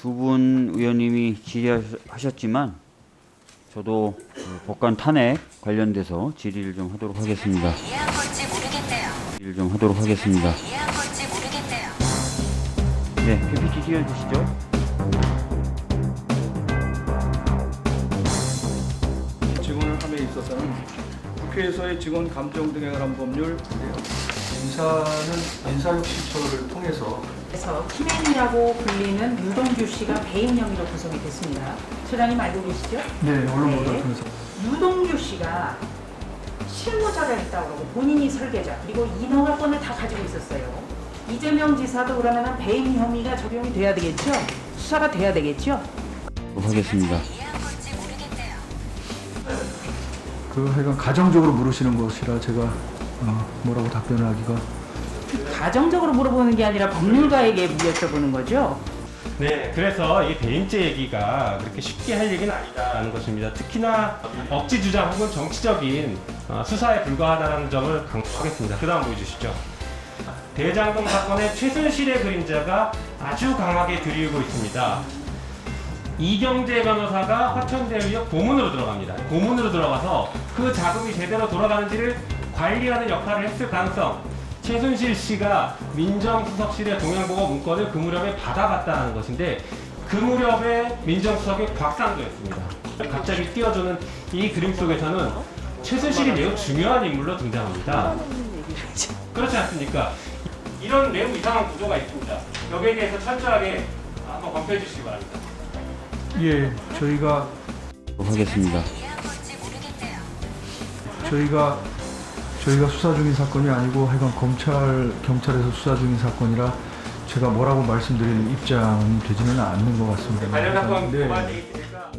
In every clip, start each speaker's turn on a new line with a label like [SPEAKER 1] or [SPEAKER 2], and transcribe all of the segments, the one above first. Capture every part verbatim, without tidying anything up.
[SPEAKER 1] 두 분 의원님이 질의하셨지만 저도 법관 탄핵 관련돼서 질의를 좀 하도록 하겠습니다.
[SPEAKER 2] 이해한 건지 모르겠네요.
[SPEAKER 1] 질의를 좀 하도록 하겠습니다.
[SPEAKER 2] 이해한 건지 모르겠네요.
[SPEAKER 1] 네, 피피티 띄워주시죠.
[SPEAKER 3] 직원을 함에 있어서는 국회에서의 직원 감정 등에 관한 법률 인사는 인사력 실처를 통해서
[SPEAKER 4] 그래서 키맨이라고 불리는 유동규 씨가 배임 혐의로 구성이 됐습니다. 소장님 알고 계시죠?
[SPEAKER 3] 네 언론 보도를
[SPEAKER 4] 네.
[SPEAKER 3] 통해서
[SPEAKER 4] 유동규 씨가 실무자를 했다고 그러고 본인이 설계자 그리고 인허가권을 다 가지고 있었어요. 이재명 지사도 그러면 배임 혐의가 적용이 돼야 되겠죠? 수사가 돼야 되겠죠?
[SPEAKER 1] 하겠습니다.
[SPEAKER 2] 이해한 건지 모르겠네요.
[SPEAKER 3] 그 하여간 가정적으로 물으시는 것이라 제가 어, 뭐라고 답변을 하기가
[SPEAKER 4] 가정적으로 물어보는 게 아니라 법률가에게 여쭤보는 거죠?
[SPEAKER 5] 네, 그래서 이 배임죄 얘기가 그렇게 쉽게 할 얘기는 아니다라는 것입니다. 특히나 억지 주장 혹은 정치적인 어, 수사에 불과하다는 점을 강조하겠습니다. 그 다음 보여주시죠. 대장동 사건의 최순실의 그림자가 아주 강하게 드리우고 있습니다. 이경재 변호사가 화천대유역 고문으로 들어갑니다. 고문으로 들어가서 그 자금이 제대로 돌아가는지를 관리하는 역할을 했을 가능성, 최순실 씨가 민정수석실의 동양보고 문건을 그 무렵에 받아갔다는 것인데 그 무렵에 민정수석이 곽상도였습니다. 갑자기 띄워주는 이 그림 속에서는 최순실이 매우 중요한 인물로 등장합니다. 그렇지 않습니까? 이런 매우 이상한 구조가 있습니다. 여기에 대해서 철저하게 한번 검토해 주시기 바랍니다.
[SPEAKER 3] 예 저희가
[SPEAKER 1] 하겠습니다.
[SPEAKER 2] 이해한 건지 모르겠네요.
[SPEAKER 3] 저희가 저희가 수사 중인 사건이 아니고 하여간 검찰 경찰에서 수사 중인 사건이라 제가 뭐라고 말씀드리는 입장이 되지는 않는 것 같습니다.
[SPEAKER 5] 관련 사건
[SPEAKER 3] 네.
[SPEAKER 5] 고발되어 있으니까.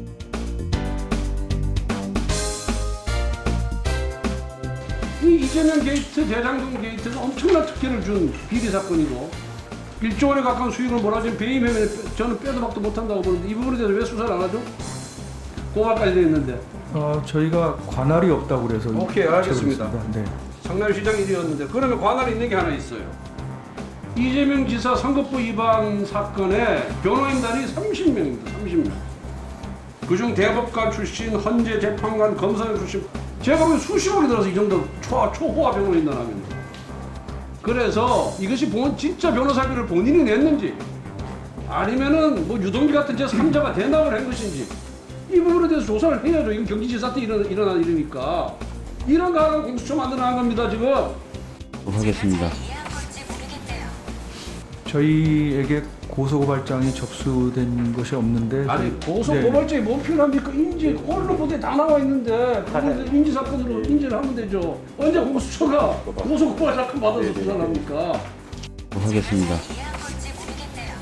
[SPEAKER 6] 이 이재명 게이트, 대장동 게이트는 엄청난 특혜를 준 비리 사건이고 일조 원에 가까운 수익을 몰아준 배임 혐의는 저는 빼도 박도 못한다고 보는데 이 부분에 대해서 왜 수사를 안 하죠? 고발까지 돼 있는데.
[SPEAKER 3] 어, 저희가 관할이 없다고 그래서
[SPEAKER 6] 오케이, 알겠습니다.
[SPEAKER 3] 제가 네.
[SPEAKER 6] 성남시장 일이었는데 그러면 관할이 있는 게 하나 있어요. 이재명 지사 선거법 위반 사건에 변호인단이 삼십 명입니다. 삼십 명. 그중 대법관 출신, 헌재 재판관, 검사장 출신 제가 보면 수십억이 들어서 이 정도 초, 초호화 변호인단 하면 그래서 이것이 본 진짜 변호사비를 본인이 냈는지 아니면은 뭐 유동기 같은 제삼자가 대납을 한 것인지 이 부분에 대해서 조사를 해야죠. 이건 경기지사 때 일어나, 일어난 일이니까 이런 거 하나 공수처 만들어 나간 겁니다 지금.
[SPEAKER 1] 하겠습니다.
[SPEAKER 2] 이해한 건지 모르겠네요.
[SPEAKER 3] 저희에게 고소고발장이 접수된 것이 없는데
[SPEAKER 6] 아니
[SPEAKER 3] 저희-
[SPEAKER 6] 고소
[SPEAKER 3] 네.
[SPEAKER 6] 고발장이 뭐 필요합니까? 인지 언론 보도에 다 나와 있는데 그건 인지 사건으로 인지를 하면 되죠. 언제 공수처가 고소 고발 사건 받아서 조사를 합니까?
[SPEAKER 1] 하겠습니다.
[SPEAKER 2] 이해한 건지 모르겠네요.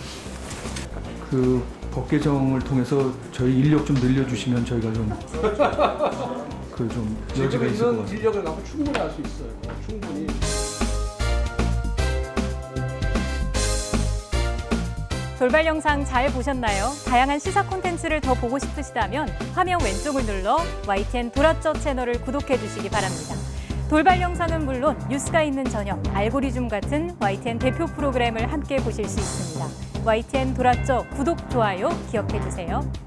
[SPEAKER 3] 그 법 개정을 통해서 저희 인력 좀 늘려주시면 저희가 좀 그 좀 여지가
[SPEAKER 6] 지금
[SPEAKER 3] 있을 것
[SPEAKER 6] 있는
[SPEAKER 3] 같아요.
[SPEAKER 6] 인력을 갖고 충분히 할 수 있어요. 충분히.
[SPEAKER 7] 돌발 영상 잘 보셨나요? 다양한 시사 콘텐츠를 더 보고 싶으시다면 화면 왼쪽을 눌러 와이티엔 돌아쩌 채널을 구독해 주시기 바랍니다. 돌발 영상은 물론 뉴스가 있는 저녁, 알고리즘 같은 와이티엔 대표 프로그램을 함께 보실 수 있습니다. 와이티엔 돌아쩌 구독, 좋아요 기억해 주세요.